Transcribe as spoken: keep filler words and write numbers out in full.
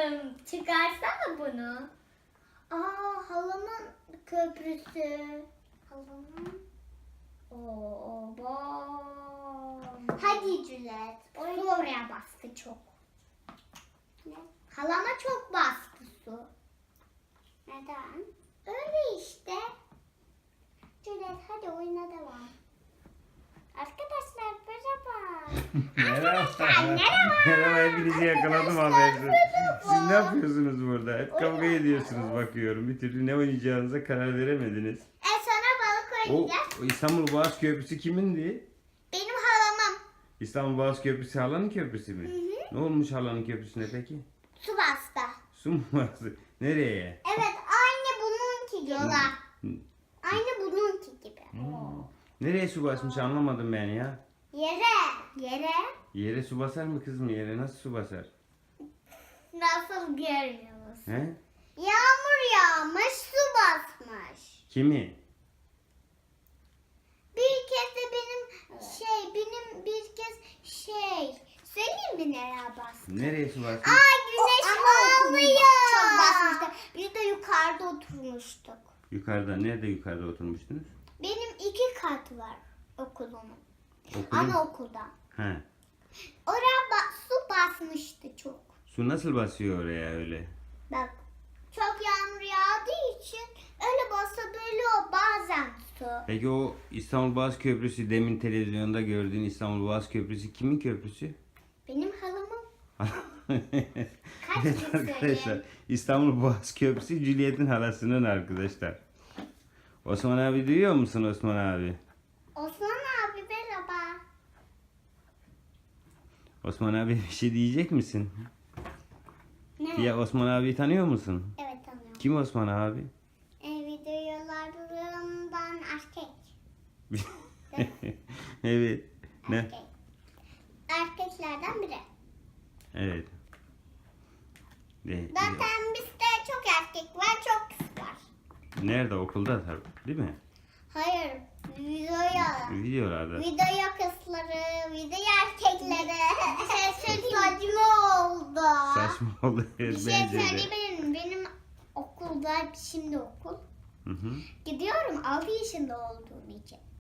Çıkarsana bunu. Aa, halamın köprüsü. Halamın. Oo, bom. Hadi Cület. Su oraya bastı çok. Ne? Halama çok bastı su. Neden? Öyle işte. Cület hadi oyuna devam. Arkadaşlar merhaba. Merhaba. merhaba. Merhaba, hepinizi yakaladım habersiz. Siz ne yapıyorsunuz burada? Hep kavga ediyorsunuz bakıyorum. Bir türlü ne oynayacağınıza karar veremediniz. E sonra balık O, oynayacağız. o İstanbul Boğaz Köprüsü kimindi? Benim halamın. İstanbul Boğaz Köprüsü halanın köprüsü mü? Hı hı. Ne olmuş halanın köprüsüne peki? Su bastı. Su mu bastı? Nereye? Evet aynı bununki yola. Hı. Aynı bununki gibi. Hmm. Nereye su basmış anlamadım ben ya. Yere. Yere. Yere su basar mı kızım, yere nasıl su basar? Nasıl görüyoruz? He? Yağmur yağmış, su basmış. Kimi? Bir kez de benim şey, benim bir kez şey, söyleyeyim mi nereye bastı? Nereye su basmış? Aa güneş ağlıyor. Çok basmıştı. Bir de yukarıda oturmuştuk. Yukarıda. Nerede yukarıda oturmuştunuz? Benim iki kat var okulumun. Okulun. Anaokulda. He. Oraya ba- su basmıştı çok. Su nasıl basıyor oraya öyle? Bak çok yağmur yağdığı için öyle basabiliyor bazen su. Peki o İstanbul Boğaz Köprüsü, demin televizyonda gördüğün İstanbul Boğaz Köprüsü kimin köprüsü? Benim halamın Evet arkadaşlar, İstanbul Boğaz Köprüsü Juliet'in halasının arkadaşlar. Osman abi duyuyor musun Osman abi? Osman abi merhaba. Osman abi bir şey diyecek misin? Ne? Ya Osman abi tanıyor musun? Evet tanıyorum. Kim Osman abi? E, videolarından erkek. Evet. Ne? Erkek. Erkeklerden biri. Evet. De, Zaten bizde çok erkek var, çok kız var. nerede? Okulda tabii, değil mi? Hayır, videoya. Videolarda. Videoya kızları, video erkekleri. Şey saçma oldu. Saçma oluyor Bir şey bence de. söyleyebilir miyim? Benim okulda, şimdi okul. Hı hı. Gidiyorum altı yaşında olduğum için.